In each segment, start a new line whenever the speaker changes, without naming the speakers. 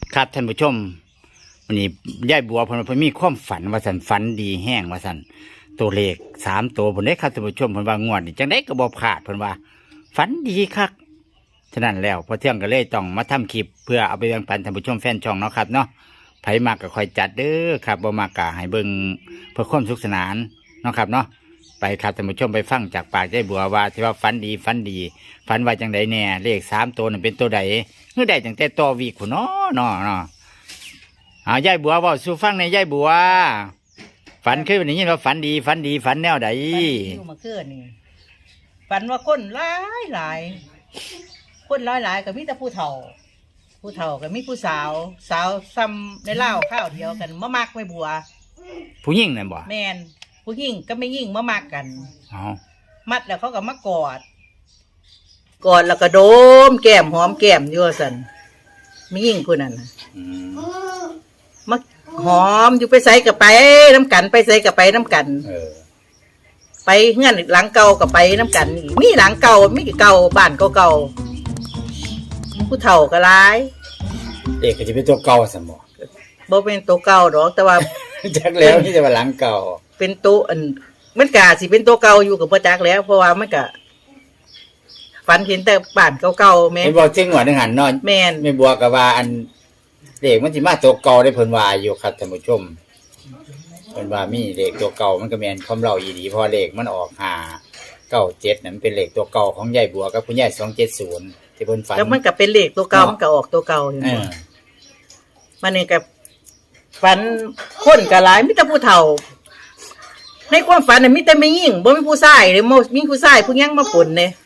ครับท่านผู้ชมวันนี้ยายบัวเพิ่นมีความฝันว่าสันฝันดีแห้งว่าสันตัวเลข3 ตัวเพิ่นได้ครับท่านผู้ชมเพิ่นว่างวดนี่จังได้ก็บ่พลาดเพิ่นว่าฝันดีคักฉะนั้นแล้วพอเที่ยงก็เลยต้องมาทำคลิปเพื่อเอาไปแบ่งปันท่านผู้ชมแฟนช่องเนาะครับเนาะไผมากก็คอยจัดเด้อครับบ่มากก็ให้เบิ่งเพื่อความสุขสนานเนาะครับเนาะไปครับท่านผู้ชมไปฟังจากปากยายบัวว่าที่ว่าฝันดีฝันว่าจังไดแน่เลข3 ตัวนั้นเป็นตัวใดเมื่อใดจังแต่ต่อวีกพุ่นเนาะยายบัวบอกสู่ฟังในยายบัวฝันเคยวันนี้ว่าฝันดีฝันแนวใด
อยู่มาเกิดนี่ฝันว่าคนหลายคนหลายก็มีแต่ผู้เฒ่าก็มีผู้สาวซ้ำในเล่าข้าวเดียวกันมามักไม่บัว
ผู้หญิงนั่นบ่
แมนผู้หญิงก็ไม่ยิ่งมามักกันมัดแล้วเขาก็มากอดแล้วก็โดมแก้มหอมแก้มอยู่สันไม่ยิ่งคนนั้นมาหอมอยู่ไปใส่กับไปน้ำกันไปใส่กับไปน้ำกันไปเงื่อนหลังเก่ากับไปน้ำกันนี่มีหลังเก่ามีเก่าบ้านเก่าผู้เฒ่าก็ร้าย
เด็กก็จะเป็นตัวเก่าสมอง
บ่เป็นตัวเก่าดอกแต่ว่า
จักแล้วที่จะว่าหลังเก่า
เป็นตัวมันกะสิเป็นตัวเก่าอยู่กับพ่อจักแล้วเพราะว่ามันกะฝันเห็นแต่บ้านเก่าๆแม่
นบอกจริงหัวนึงหันนอน
แม่น
ไม่บัวกับว่าอันเด็กมันสิมาตัวเก่าได้เพิ่นว่าอยู่ครับท่านผู้ชมเพิ่นว่ามีเลขตัวเก่ามันก็แม่นความเราอีหลีเพราะเลขมันออก597นั่นเป็นเลขตัวเก่าของยายบัวกับคุณยาย270ที่เพิ่นฝัน
แล้วมันก็เป็นเลขตัวเก่ามันก็ออกตัวเก่าอยู่มันนี่ก็ฝันคนก็หลายมีแต่ผู้เฒ่าในความฝันน่ะมีแต่แม่หญิงบ่มีผู้ชายเลยมีผู้ชายผู้ยังมาปนเนี่ย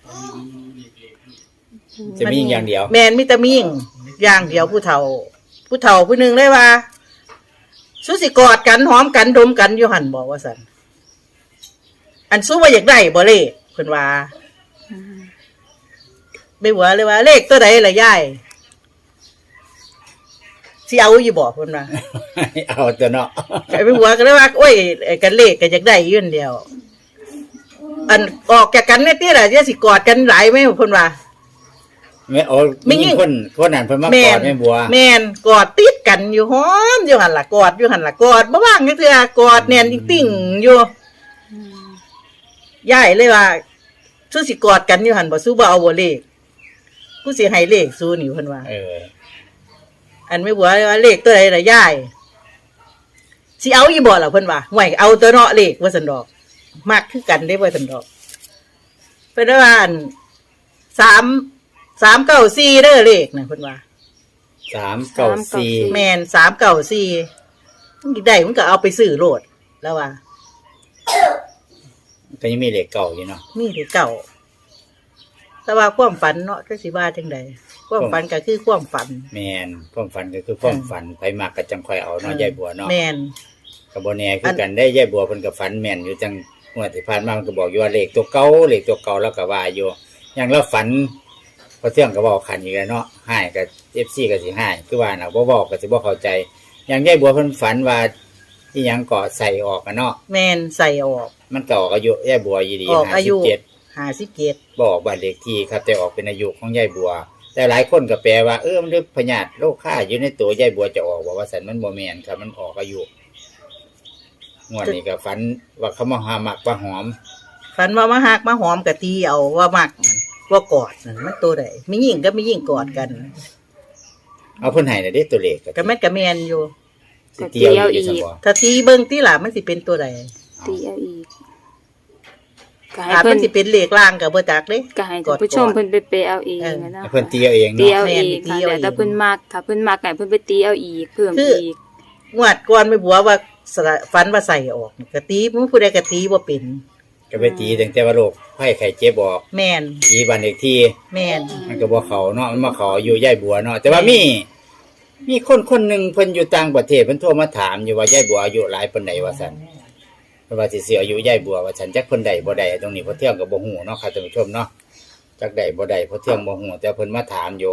จะมีอย่างเดียว
แม่นมีแต่แม่หญิงอย่างเดียวผู้เฒ่าผู้หนึ่งเลยว่าสุสิกอดกันหอมกันดมกันอยู่หันบอกว่าสันอันสู้ว่าอยากได้บ่เลขเพิ่นว่าไม่หัวเลยว่าเลขตัวใดล่ะยายสิเอาอยู่บ่เพิ่นว่า
เอาตัวเนาะ
ไม่หัวก็เลยว่าโอ้ยกันเลขก็อยากได้อยู่เดียวอันออกจากกันเนี่ยติล่ะจะสิกอดกันหลายมั้ยเพิ่นว่า
แม่โอ้มีคนนั้นเพิ่นมากอดแม่บัว
แม่นกอดติดกันอยู่หอมอยู่หั่นล่ะกอดอยู่หั่นล่ะกอดบ่ว่างจักเทื่อกอดแน่นติ่งอยู่ยายเลยว่าสู้สิกอดกันอยู่หั่นบ่สู้บ่เอาบ่เลขกูสิให้เลขสู้นี่เพิ่นว่าอันแม่บัวว่าเลขตัวใดล่ะยายสิเอาอีบ่ล่ะเพิ่นว่าห่วยเอาตัวเนาะเลขว่าซั่นดอกมักคือกันได้ว่าซั่นดอกเพิ่นว่าอัน394เด้อเลขนะเพิ่นว่า
394
แม่น394มันได้มันก็เอาไปซื้อโลดแล้วว่า
ก็ยังมีเลขเก่าอยู่เนาะ
มีเลขเก่าแต่ว่าความฝันเนาะจักสิว่าจังได๋ความฝันก็คือความฝัน
แม่นความฝันก็คือความฝันไผมักก็จังค่อยเอาเนาะยายบัวเนาะ
แม่น
ก็บ่แน่คือกันได้ยายบัวเพิ่นก็ฝันแม่นอยู่จังงวดที่ผ่านมามันก็บอกอยู่ว่าเลขตัวเก่าแล้วก็ว่าอยู่อย่างเราฝันพอเที่ยงก็บอกขันอีกแล้วเนาะให้กับ FC ก็สิให้คือว่าน่ะบ่บอกก็สิบ่เข้าใจอย่างยายบัวเพิ่นฝันว่าอีหยังเกาะใส่ออกกันเนาะ
แม่นใส่ออก
มันก็ออกอายุยายบัวอยู่ดี
57
บอกบ้านเลขที่ครับแต่ออกเป็นอายุของยายบัวแต่หลายคนก็แปลว่ามันลึกพญาติโรคค่าอยู่ในตัวยายบัวจะออกว่าสันมันบ่แม่นครับมันออกอายุงวดนี้ก็ฝันว่าเขามาหามักว่าหอม
ฝันว่ามาหักมาหอมกะตีเอาว่ามักว่ากอดนั่นมันตัวใดมีหญิงก็มีหญิงกอดกัน
เอาเพิ่นให้น่ะเด้ตัวเลข
ก็แม่นก็แม่นอยู่
สิเตียวอีก
ถ้าตีเบิ่งติล่ะมันสิเป็นตัวใด
ตีเอาอีก
ก็ให้เพิ่นสิเป็นเลขล่างก็บ่จักเด้
ก็ให้ท่านผู้ชมเพิ่นไปเอาเองนะ
เพิ่นตีเอาเองเนาะ
ตีเอาเองค่ะแต่เพิ่นมักถ้าเพิ่นมักให้เพิ่นไปตีเอาอีกเพิ่มอีก
งวดก่อนไม่บัวว่าฝันว่าใส่ออกก็ตีผู้ใดก็ตีบ่เป็น
ก็ไปตีตั้งแต่ว่าโรคไข้ไข้เจ็บบอก
แม่น
ตีบ้านเลขที่
แม่น
มันก็บ่เข้าเนาะมันมาเข้าอยู่ยายบัวเนาะแต่ว่ามีคนนึงเพิ่นอยู่ต่างประเทศเพิ่นโทรมาถามอยู่ว่ายายบัวอายุหลายปานใดว่าซั่นเพิ่นว่าสิเสียอายุยายบัวว่าฉันจักเพิ่นได้บ่ได้ตรงนี้พอเที่ยงก็บ่ฮู้เนาะครับท่านผู้ชมเนาะจักได้บ่ได้พอเที่ยงบ่ฮู้แต่เพิ่นมาถามอยู่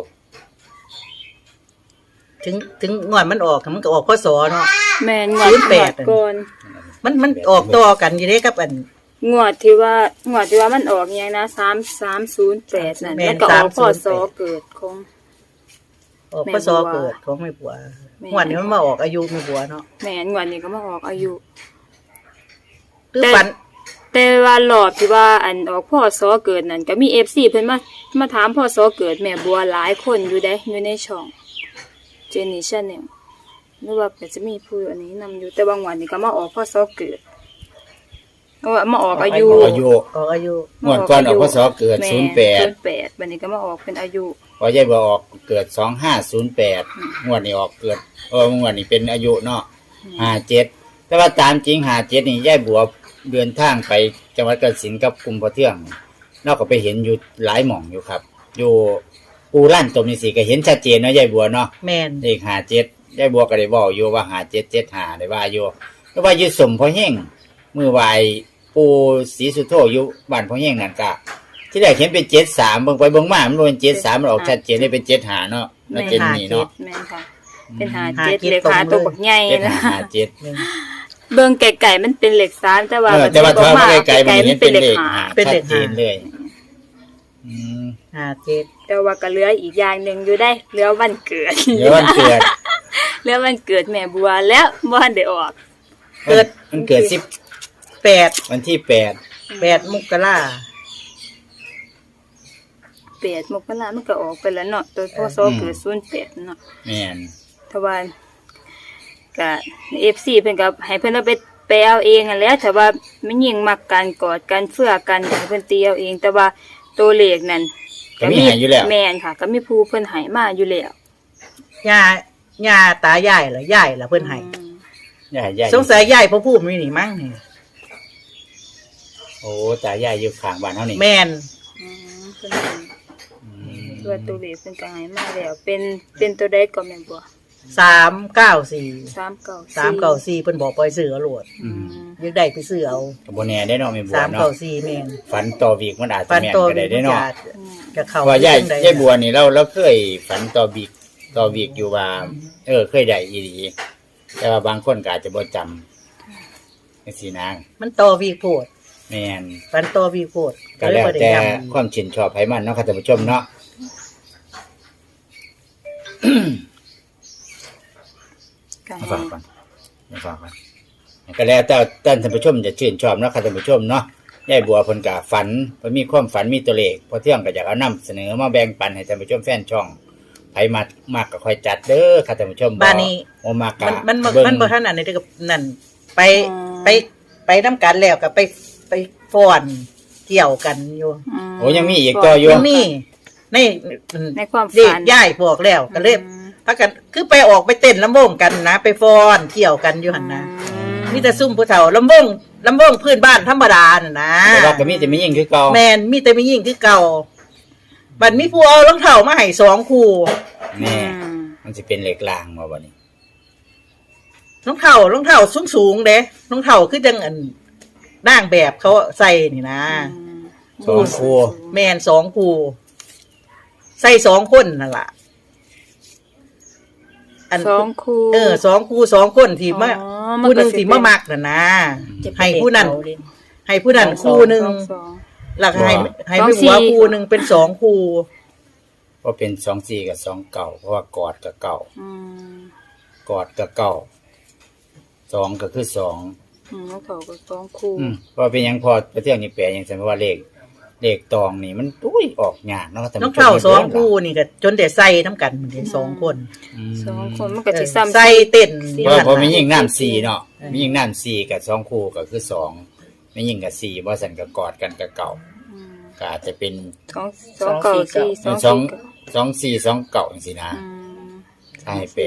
ถึงงวดมันออกมันก็ออกพศเนาะ
แม่นงวด8ก่อน
มันออกต่อกันอยู่เด้กับอัน
งวดที่ว่ามันออกอย่างนะ3308นั่นแล้วก็ออกพศเกิดของ
ออกพศเกิดของแม่บัวงวดนี้มันมาออกอายุแม่บัวเนาะ
แม่นงวดนี้ก็มาออกอายุ
หรือฝัน
แต่ว่ารอบที่ว่าอันออกพ่อสอเกิดนั่นก็มี FC เพิ่นมาถามพ่อสอเกิดแม่บัวหลายคนอยู่ในช่องเจนนี่ชาแนลหรือว่าก็จะมีผู้อันนี้นำอยู่แต่บางวันนี่ก็มาออกพ่อสอเกิดว่ามาออกอายุ
อายุ
ออกอายุ
งวดก่อนออกพศเกิด
แม่
08
บัดนี้ก็มาออกเป็นอายุ
พอยายบัวออกเกิด2508งวดนี้ออกเกิดงวดนี้เป็นอายุเนาะ57แต่ว่าตามจริง57นี่ยายบัวเดินทางไปจังหวัดกาฬสินธุ์กับกลุ่มพ่อเทืองนอกก็ไปเห็นอยู่หลายหม่องอยู่ครับ อยู่ปูลั่นตมนี่สิก็เห็นชัดเจนเนาะยายบัวเนาะ
แม่น
เลข57ยายบัวก็ได้บอกอยู่ว่า5775ได้ว่าอยู่แต่ว่าอยู่สมพ่อแห้งมื้อไหวปูศรีสุโธอยู่บ้านพ่อแห้งนั่นก็ที่แรกเห็นเป็น73เบิ่งไปเบิ่งมามันเป็น73มันออกชัดเจนได้เป็น75เนาะแล้วเจนนี่เนาะ
แม่นค่ะ เป็น57เลขขาตัวบักใหญ่นะ
7557
แม่น
เบิ่งไกลๆมันเป็นเลข3แต่ว่า
แต่ว่าถ้ามาไกลๆมัน
มั
เห็น
เป็
เป็น น
เล
เล
ข
ข
5
เป็นเลข
ชัดเจนเลยอืม
57
แต่ว่าก็เหลืออีกอย่างหนึงอยู่ได้เหลือวันเกิด
เดี๋ยววันเกิด
เหลือวันเกิดแม่บัวแล้วบ่ทันได้ออก
เกิด
มันเกิด
8
วันที่
มกรา
8มกรามันก็ออกไปแล้วเนาะตัวพศเกิด08เนาะ
8แม่น
ถ้าว่าก็ FC เพิ่นก็ให้เพิ่นเอาไปเอาเองนั่นแหละแต่ว่ามันยิ่งมักกันกอดกันเฟื่อกันให้เพิ่นตีเอาเอง แต่ว่าตัวเลขนั่น
ก็มีให้อยู่แล้ว
แม่นค่ะ ก็มีผู้เพิ่นให้มาอยู่แล้ว
ย่าตายายเหรอยายเหรอเพิ่นให้
ย่า
สงสัยยายพ่อพูดมีนี่มั้งนี่
โอ้ตายายอยู่ข้างบ้านเฮานี่
แม่น
เพิ่นให้ตัวตัวเลขเพิ่นก็ให้มาแล้วเป็นตัวใดก็แม่นบ่
394
394
เพิ่นบอกปล่อยซื้อเอาโลดอยากได้ไปซื้อเอา
ก็บ่แน่ได้เนาะแม่บัวเนาะ
394แม่น
ฝันต่อวีกมันอาจจะ
ฟัน
แม่น
โต
ก็ได้เนาะ
จะเข้า
เพราะว่ายายบัวนี่เราเคยฝันต่อวีกอยู่ว่า เคยได้อีหลีแต่ว่าบางคนก็อาจจะบ่จำจังซี่นะ
มันโตวีโพด
แม่น
ฟันโตวีโพด
ก็แล้วแต่
ย้ำ
ความชื่นชอบไผมันเนาะค่ะท่านผู้ชมเนาะ
ก็
มาฟังก่อนก็แล้วแต่ท่านผู้ชมจะชื่นชอบเนาะค่ะท่านผู้ชมเนาะยายบัวเพิ่นก็ฝันเพิ่นมีความฝันมีตัวเลขพอเที่ยงก็อยากเอานำเสนอมาแบ่งปันให้ท่านผู้ชมแฟนช่องไผมากก็ค่อยจัดเด้อค่ะท่านผู้ชม
บ้านนี้
บ่มากก็
มัน
เบิ่ง
บ่ทันอันนี้ก็นั่นไปนํกันแล้วก็ไปฟ้อนเกี่ยวกันอยู่
โอ้ยังมีอีกต่ออยู่
ยังมีใน
ในความ
เด็
ฝั
ก
น
ย้ายพวกแล้วก็เลยพากันคือไปออกไปเต้นลำวงกันนะไปฟ้อนเกี่ยวกันอยู่หั่นนะมีแต่ซุ่มผู้เฒ่าลำวงพื้นบ้านธรรมดาน่ะนะ
แต่ว่าก็มีแต่มียิ่งคือเก่า
แม่นมีแต่ไม่ยิ่งคือเก่าบัดมีผู้เอารองเท้ามาให้2คู่
แน่มันสิเป็นเหล็กลางบ่บัดนี้
รองเท้าสูงๆเด้รองเท้าคือจังอันนางแบบเขาใส่นี่นะ
สองคู่
แม่น2คู่ใส่2คนนั่นล่ะ
2คู่
2คู่2คนที่มา
อ๋อ
ผู้หนึง
มันก็สิ
ที่มามักน่ะนะให้ผู้นั้นคู่หนึง
สอง
แล้วก็ให้ไม่หัวคู่หนึงเป็น2คู่
เพราะเป็น24กับ2เก่าเพราะว่ากอดกับเก่า
อืม
กอดกับเก่า2ก็คือ2
แล้วเขาก็2คู่
เพราะเป็นหยังพอไปเที่ยวนี่แปลอย่างเช่นว่าเลขตองนี่มันออกยากเนาะท่าน
น้อง
ผู้ชม
เท้า2คู่นี่ก็จนได้ใส่น้ำกันเหมือนกัน2คน
2คนมันก็สิซ้ำ
ใส่เต้น
เพราะมียิ่งน้ำ4เนาะมียิ่งน้ำ4กับ2คู่ก็คือ2มียิ่งกับ4บ่ซั่นก็กอดกันกับเก่าก็อาจจะเป็น
2 9 4 2 4
2 4 2เก่าจังซี่นะถ้าให้แปล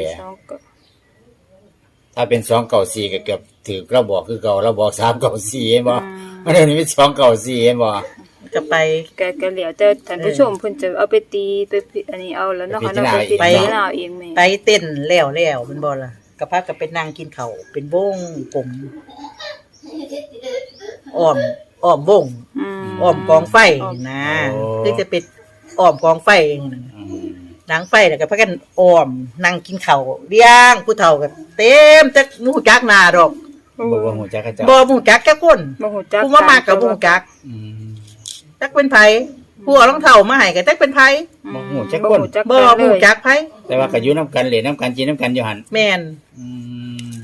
ถ้าเป็น2เก่า4ก็เกือบถือเราบอกคือเก่าเราบอก3เก่า4เห็นบ่มันเดี๋ยวนี้เป็น2เก่า4เห็นบ่
ก็ไป
ก็เหลียวแต่ท่านผู้ชมเพิ่นจะเอาไปตีไปอันนี้เอาแล้วเนาะค่ะเนาะไปตีเอาเองแม่
ไปเต้นแล้วมันบ่ล่ะก็พากันไปนั่งกินข้าวเป็นวงกลมอ้อมวงอ้อมกองไฟนะคือจะเป็นอ้อมกองไฟนางไฟแล้วก็พากันอ้อมนั่งกินข้าวเลี้ยงผู้เฒ่าก็เต็มจักหมู่จักหน้าดอก
บ่ว่าฮู้จักเขาเจ้า
บ่หมู่จักจักคน
บ่ฮู้จัก
ผู้มามากกับบ่ฮู้จักจักเป็นไผผู้เอารองเท้ามาให้ก็จักเป็นไผ
บ่ฮู้จักคน
บ่
ฮู้
ฮู้
จั
จั
ก
กไผ
แต่ว่าก็อยู่นํกันเล่นนํกันกินนํกันอยู่หั่น
แม่น
อืม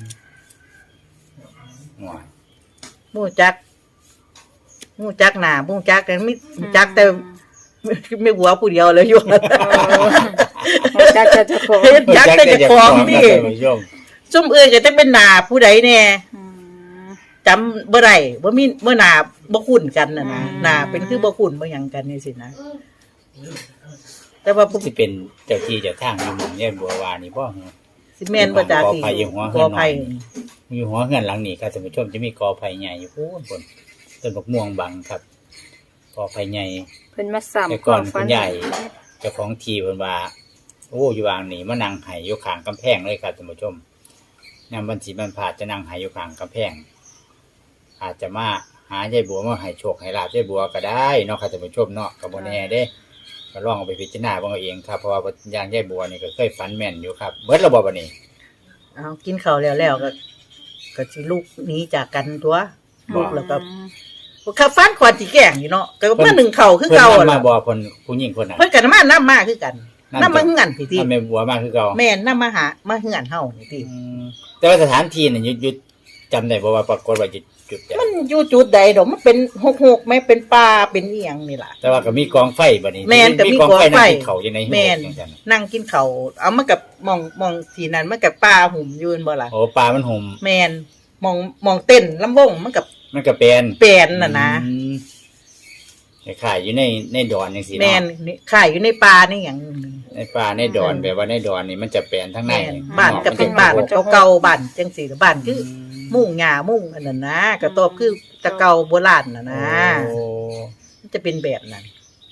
ว้าย
ฮู้จักหน้าฮู้จักกันมีฮู้จักแต่ไม่หัวผู้เดียวเลยอยู่
ฮู้จักแต่เจ้าของ
เฮ็ดจักแต่เจ้าของนี่
ท่านผู้ชม
ซุ่มอื่นก็จะเป็นหน้าผู้ใดแน่
อืม
จำบ่ได้บ่หน้าบ่คุ้นกันน่ะนะ
อืม
หน้าเป็นคือบ่คุ้นบ่หยังกันนี่สินะ แต่ว่าผู้
สิเป็นเจ้าที่เจ้าทางอยู่หมู่ยายบัววานี่บ่ฮะ
สิแม่นบ่จักอีก
ขออภัยอยู่หัว
ขออภัย
อยู่หัวเฮือนหลังนี้ครับท่านผู้ชมจะมีกอไผ่ใหญ่อยู่พูนต้นบักม่วงบังครับกอไผ่ใหญ่
เพิ่นมาซ้ำ
แต่ก่อนคุณยายเจ้าของที่เพิ่นว่าโอ้อยู่วางนี่มานั่งไห้อยู่ข้างกำแพงเลยครับท่านผู้ชมยามวันสิมันผ่าจะนั่งไห้อยู่ข้างกำแพงอาจจะมาหายายบัวมาให้โชคให้ลาบยายบัวก็ได้เนาะครับท่านผู้ชมเนาะก็บ่แน่เด้ก็ลองเอาไปพิจารณาเบิ่งเอาเองครับเพราะว่าอย่างยายบัวนี่ก็เคยฝันแม่นอยู่ครับเบิดระบบบัดนี้
เอากินข้าวแล้วก็สิลูกหนีจากกันตัวลูกแล้วก็ข้าฟันขวานสิแกล้งอยู่เนาะก็มาหนึ่งข้าวคือ
เพิ่น
เก่า
มา
ล่ะ
บ่เพิ่นผู้หญิงคนนั้น
เพิ่นก็นำมาคือกันนำมาเฮือนพี่ติ
ถ้าแม่บัวมาคือเก่า
แม่นำมาเฮือนเฮานี่ติ
แต่ว่าสถานที่นี่ยุดจำได้บ่ว่าปรากฏว่าจุดใด
มันอยู่จุดใดดอกมันเป็นหกแม่เป็นป่าเป็นอีหยังนี่ล่ะ
แต่ว่าก็มีกองไฟบัดนี้
แม่นก็มีกองไฟ
นั่งกินข้าวอยู่ในหิ้ง
แม่น
จังซั่น
นั่งกินข้าวเอามากับมองที่นั้นมันกับป่าหุ่มอยืนบ่ล่ะ
โอ้ปลามันห่ม
แม่นมองเต้นลำวงมันกับ
มันก็เป็น
แปลนน่ะนะ
อืมขายอยู่ในดอนจังซี่
แม่น
เนาะ
นี่ข่ายอยู่ในป่านี่หยัง
ในป่าในดอนแบบว่าในดอนนี่มันจะแปลนทั้งใน
แม่นบ้านก็เป็นบ้านเก่าๆบ้านจังซี่บ้านคือ มุ่งหญ้ามุ่งอันนั้นนะกระตอบคือตะเกาโบราณน่ะนะ
โอ้
มันจะเป็นแบบนั้น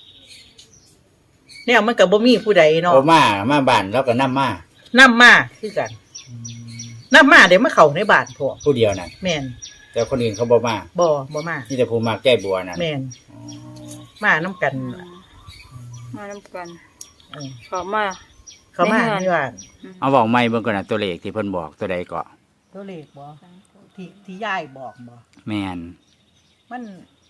เนี่ยมันก็บ่มีผู้ใดเนาะ
โอ้มาบ้านแล้วก็นำมา
นำมาคือกันนำมาเดี๋ยวมาเข้าในบ้านพวก
ผู้เดียวนั่น
แม่น
แต่คนอื่นเขาบ่มา
บ่มา
มีแต่ผู้มาแก้บัวนั่น
แม่น
อ๋อ
มานํกัน
มานํกัน
เออ
เข้ามา
เขามา
ในเฮือน
ที่บ้าน
เอาบอกไม่เบิ่งก่อนนะตัวเลขที่เพิ่นบอกตัวใดก็
ตัวเลขบ่ที่ยายบอกบ่
แม่น
มัน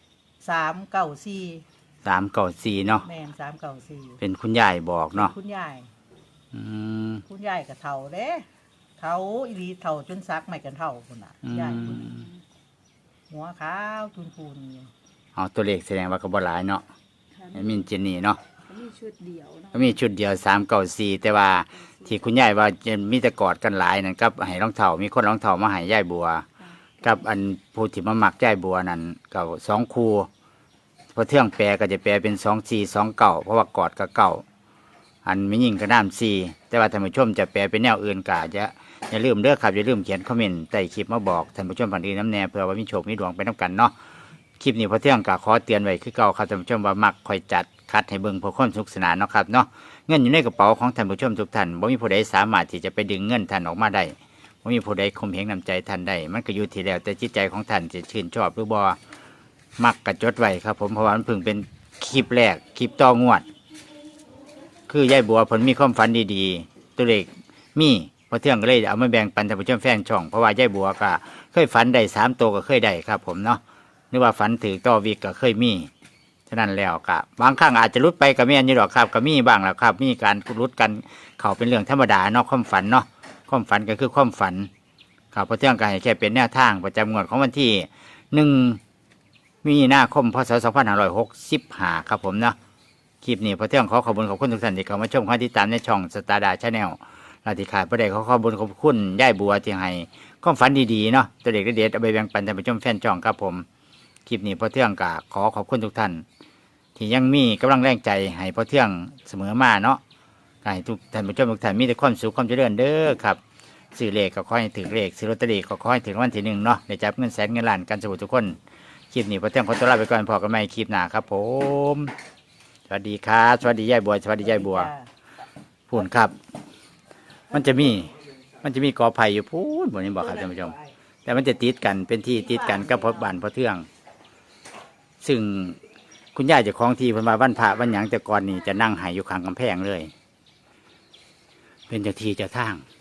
394
394เนาะ
แม่น394
เป็นคุณยายบอกเนาะ
คุณยาย
อืม
คุณยายก็เฒ่าเด้เฒ่าอีหลีเฒ่าจนซักไม่กันเฒ่าพุ่นน่ะยายพุ่นหัวขาวจุนพูนอยู่
เอาตัวเลขแสดงว่าก็บ่หลายเนาะแอดมินเจนนี่เนาะ
มีชุดเดียวเนาะ
ก็มีชุดเดียว394แต่ว่าที่คุณยายว่าจะมีแต่กอดกันหลายนั่นกับให้รองเท้ามีคนรองเท้ามาให้ยายบัว กับอันผู้ที่มามักยายบัวนั่นก็2คู่พอเที่ยงแปลก็จะแปลเป็น2429เพราะว่ากอดกับเก่าอันไม่ยิ่งก็น้ำ4แต่ว่าท่านผู้ชมจะแปลเป็นแนวอื่นก็อาจจะอย่าลืมเด้อครับอย่าลืมเขียนคอมเมนต์ใต้คลิปมาบอกท่านผู้ชมผ่านดีน้ำแน่เพื่อว่ามีโชคมีดวงไปน้ำกันเนาะคลิปนี้พอเที่ยงก็ขอเตือนไว้คือเก่าครับท่านผู้ชมว่ามักคอยจัดคัดให้เบิ่งเพื่อความสนุกสนานเนาะครับเนาะเงินอยู่ในกระเป๋าของท่านผู้ชมทุกท่านบ่มีผู้ใดสามารถที่จะไปดึงเงินท่านออกมาได้บ่มีผู้ใดข่มเหงน้ำใจท่านได้มันก็อยู่ที่แล้วแต่จิตใจของท่านจะชื่นชอบหรือบ่มักกระจดไว้ครับผมเพราะว่ามันเพิ่งเป็นคลิปแรกคลิปต่องวด คือยายบัวผลมีความฝันดีๆตัวเลขมีพอเที่ยงก็เลยเอามาแบ่งปันท่านผู้ชมแฟนช่องเพราะว่ายายบัวก็เคยฝันได้3 ตัวก็เคยได้ครับผมเนาะหรือว่าฝันถือต่อวิกก็เคยมีฉะนั้นแล้วก็บางครั้งอาจจะรุดไปกับแม่นอยู่หรอกครับก็มีบ้างแหละครับ มีการรุดกันเขาเป็นเรื่องธรรมดาเนาะความฝันเนาะความฝันก็คือความฝันครับพอเที่ยงก็ให้แค่เป็นแนวทางประจำงวดของวันที่1 มีนาคมพศ2565ครับผมเนาะคลิปนี้พอเที่ยงขอขอบคุณทุกท่านที่เข้ามาชมเข้าติดตามในช่องสตาร์ดาชาแนลเราที่ขาดประเดี๋ยวขอบคุณย่ายบัวที่ให้ความฝันดีๆเนาะตัวเด็กเด็ดเอาไปแบ่งปันท่านผู้ชมแฟนช่องครับผมคลิปนี้พอเที่ยงก็ขอขอบคุณทุกท่านที่ยังมีกำลังแรงใจให้พอเที่ยงเสมอมาเนาะให้ทุกท่านผู้ชมทุกท่านมีแต่ความสุขความเจริญเด้อครับซื้อเลขก็ขอให้ถือเลขซื้อลอตเตอรี่ก็ขอให้ถึงวันที่1เนาะได้จับเงินแสนเงินล้านกันสู่ทุกคนคลิปนี้พอเที่ยงขอตัวลาไปก่อนพอกันใหม่คลิปหน้าครับผมสวัสดีครับสวัสดีย่ายบัวสวัสดีย่ายบัวพูนครับ มันจะมีกอไผ่อยู่พูนบนนี้บอกครับท่านผู้ชมแต่มันจะติดกันเป็นที่ติดกันกับพบบ้านพอเทืองซึ่งคุณย่าเจ้าของที่เพิ่นมาวันพระวันหยังแต่ก่อนนี่จะนั่งไหอยู่ข้างกำแพงเลย เป็นเจ้าที่เจ้าทาง